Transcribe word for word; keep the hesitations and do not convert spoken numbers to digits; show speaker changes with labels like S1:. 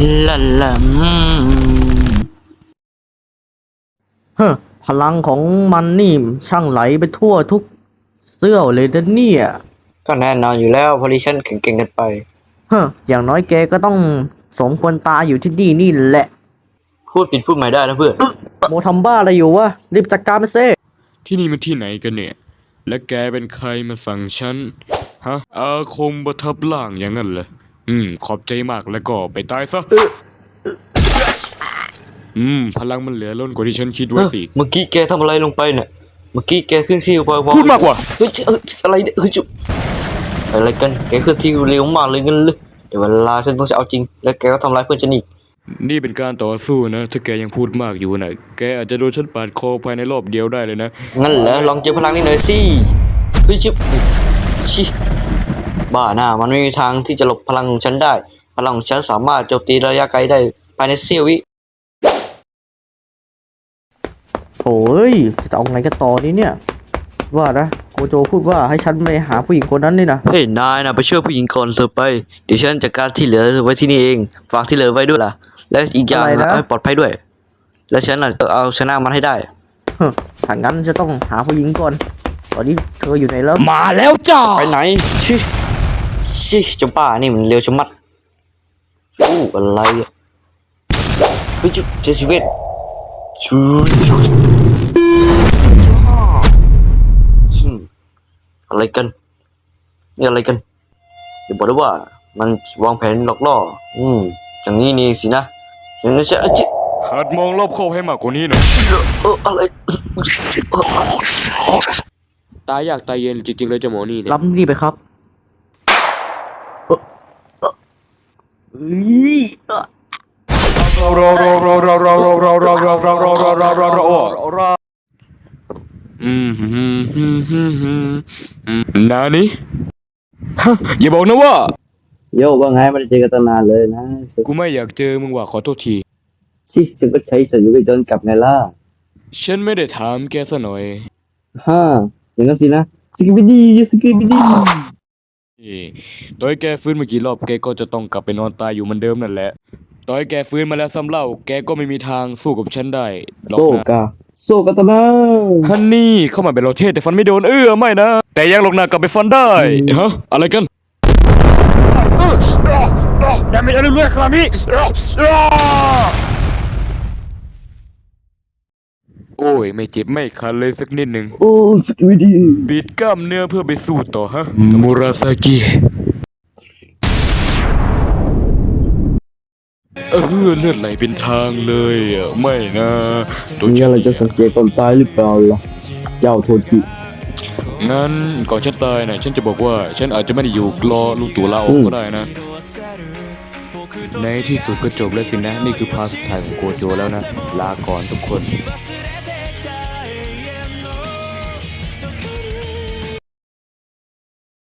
S1: ละละอืม
S2: เฮ้อพลังของมันนี่ช่างไหลไปทั่วทุกเสี้ยวเลยนะเนี่ย
S1: ก็แน่นอนอยู่แล้วเพราะดิฉันแข็งเก่งกันไป
S2: เฮ้ออย่างน้อยแกก็ต้องสมควรตายอยู่ที่นี่นี่แหละ
S1: พูดผิดพูดใหม่ได้นะเพื่อน
S2: โมทำบ้าอะไรอยู่วะรีบจัดการมันเซ่
S3: ที่นี่มันที่ไหนกันเนี่ย และแกเป็นใครมาสั่งฉัน ฮะ อาคมประทับร่างอย่างนั้นเหรอ อืม ขอบใจมากแล้วก็ไปตายซะ อืม พลังมันเหลือล้นกว่าที่ฉันคิดไว้สิ
S1: เมื่อกี้แกทำอะไรลงไปเนี่ยเมื่อกี้แกขึ้นที่พอพอ
S3: พูดมากกว่า
S1: เฮ้ยเอ้ยอะไรเนี่ยเฮ้ยจุอะไรกันแกขึ้นที่เร็วมากเลยงั้นเลยเดี๋ยวเวลาฉันต้องจะเอาจริง แล้วแกก็ทำร้ายเพื่อนฉันอีก
S3: นี่เป็นการต่อสู้นะ ถ้าแกยังพูดมากอยู่นะแกอาจจะโดนฉันปาดคอภายในรอบเดียวได้เลยนะ
S1: งั้นเหรอลองเจอพลังนี้หน่อยสิเฮ้ยจุชิบ้าหน้ามันไม่มีทางที่จะหลบพลังของฉันได้ พลังของฉันสามารถโจมตีระยะไกลได้ภายในเสี้ยววิ
S2: โถ่เอ้ยจะเอาไงกันต่อนี่เนี่ย ว่านะโกโจพูดว่าให้ฉันไปหาผู้หญิงคนนั้นนี่นะ
S1: เฮ้ยนายนะไปช่วยผู้หญิงก่อนเถอะไปเดี๋ยวฉันจัดการที่เหลือไว้ที่นี่เองฝากที่เหลือไว้ด้วยล่ะและอีกอย่างนะให้ปลอดภัยด้วย และฉันน่ะจะเอาชนะมันให้ได้
S2: เฮ้อถ้างั้นจะต้องหาผู้หญิงก่อน ตอนนี้เธออยู่ไหนแล้ว
S3: มาแล้วจ้า
S1: ไปไหนชิชิเจ้าป้านี่มันเร็วชะมัดอู้อะไรอ่ะเฮ้ยจุเจสิเวตชูชูชิอะไรกันนี่อะไรกันอย่าบอกนะว่ามันวางแผนหลอกล่ออืมอย่างนี้นี่สินะอย่างนั้นใช่เอ้ยจิ
S3: หัดมองรอบคอบให้มากกว่านี้หน่อย
S1: เอออะไร
S3: ตายอยากตายเย็นจริงๆเลยเจ้าหมอนี่เนี่ย
S2: รับนี่ไปครับเอ่อเอ่อเอ้ยเอ่อ
S3: อืมฮึมฮึมฮึมฮึมอืมนานี่ฮะอย่าบอกนะว่า
S4: โยว่าไงไม่ได้เจอกันตั้งนานเลยนะ
S3: กูไม่อยากเจอมึงว่ะขอโทษที
S4: ชิฉันก็ใช้สัญญาณจนกลับไงล่ะ
S3: ฉันไม่ได้ถามแกซะหน่อย
S4: ฮ่าอย่างนั้นสินะสกิบิดีสกิบิดี
S3: เอ้ต่อให้แกฟื้นมากี่รอบแกก็จะต้องกลับไปนอนตายอยู่เหมือนเดิมนั่นแหละต่อให้แกฟื้นมาแล้วซ้ำเล่าแกก็ไม่มีทางสู้กับฉันได้หรอก
S4: โซ
S3: นะ
S4: กาโซกาตานา
S3: ฮันนี่เข้ามาเป็นเราเทศแต่ฟันไม่โดนเออไม่นะ แต่ยังหลอกหน้ากลับไปฟันได้ฮะอะไรกันอย่าไม่ได้เรื่อยๆครับพี่โอ้ยไม่เจ็บไม่คันเลยสักนิดหนึ่ง
S4: โอ้สกิบิดี
S3: บีดกล้ามเนื้อเพื่อไปสู้ต่อฮะมูราซากิเออเลือดไหลเป็นทางเลยอ่ะไม่นะตัว
S4: มี
S3: ฉั
S4: อะไร
S3: น
S4: จะสังเกตตอนตายหรือเปล่าล่ะเจ้าโทจิ
S3: งั้นก่อนฉันตายนะฉันจะบอกว่าฉันอาจจะไม่ได้อยู่รอลูกตัวลาออกก็ได้นะ ในที่สุดก็จบแล้วสินะ นี่คือพาร์ทสุดท้ายของโกโจแล้วนะ ลาก่อนทุกคน